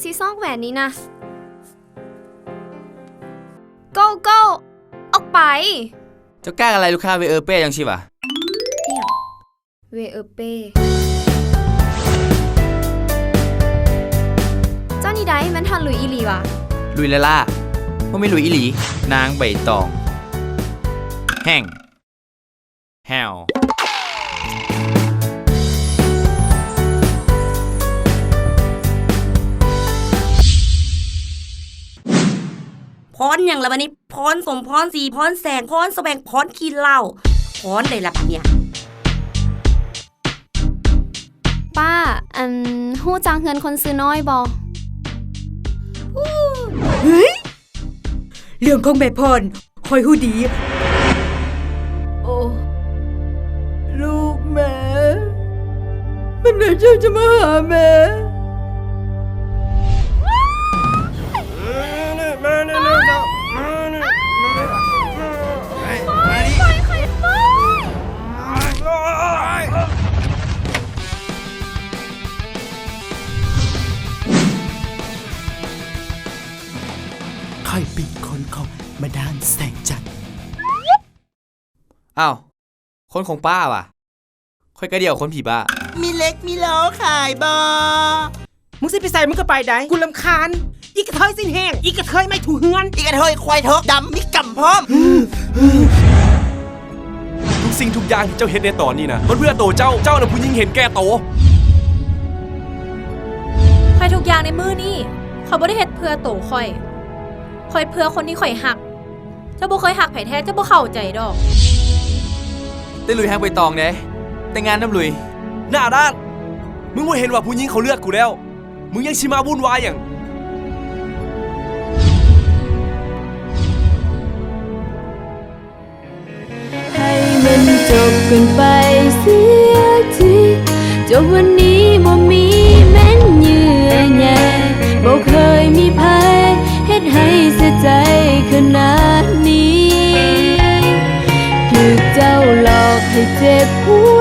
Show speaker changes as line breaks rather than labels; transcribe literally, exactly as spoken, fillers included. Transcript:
ที่ซอกแหวนนี้นะ go go ออกไป
เจ้ากล้าอะไรลูกค้าเวเออเป้ยังชิวะ
เนี่ยเวเออเป้เจ้านี่ได้มันทันหลุยอีหลีวะ
ลุยละล่าว่าไม่ลุยอีหลีนางใบตองแห้งแฮว
พรอย่างละวันนี้พรสมพรสีพรแสงพรแสวงพรขี้เหล้าพรได้ละบัดเนี่ย
ป้าอันฮู้จักเงินคนซื้อน้อยบ่
เฮ้ยเรื่องของแม่พรคอยฮู้ดีโอ้ลูกแม่มันไหนเจ้าจะมาหาแม่
ค่อยเป็นคนของมาดามแสงจันทร์
อ้าวคนของป้าว่ะค่อยกระเดี่ยวคนผีบ้า
มีเล็กมีโลขายบอ
มึงสิไปใส่มึงก็ไปได้กูรำคาญอีกระเทยสิ้นแห้งอีกระเทยไม่ถูเฮือน
อีกระเทยควายเถอะดำมีกำพร้อม
ทุกสิ่งทุกอย่างที่เจ้าเห็นในตอนนี้นะมันเพื่อโตเจ้าเจ้าน่ะผู้หญิงเห็นแก่โต
ข่อยทุกอย่างในมือนี่ข่อยบ่ได้เฮ็ดเพื่อโตข่อยข่อยเพื่อคนที่ข่อยหักเจ้าบ่เคยหักไผแท้เจ้าบ่เข้าใจดอก
ได้ลุยแห้งใบตองเด้แต่งงานน้ำลุย
หน้าด้านมึงบ่เห็นว่าผู้หญิงเขาเลือกกูแล้วมึงยังชิมาวุ่นวายอย่าง
ให้มันจบกันไปเสียทีจบวันนี้บ่มีแม้นเยื่อใยบ่เคยมีภัยเฮ็ดให้เสียใจขนาดนี้ถูกเจ้าหลอกให้เจ็บหัว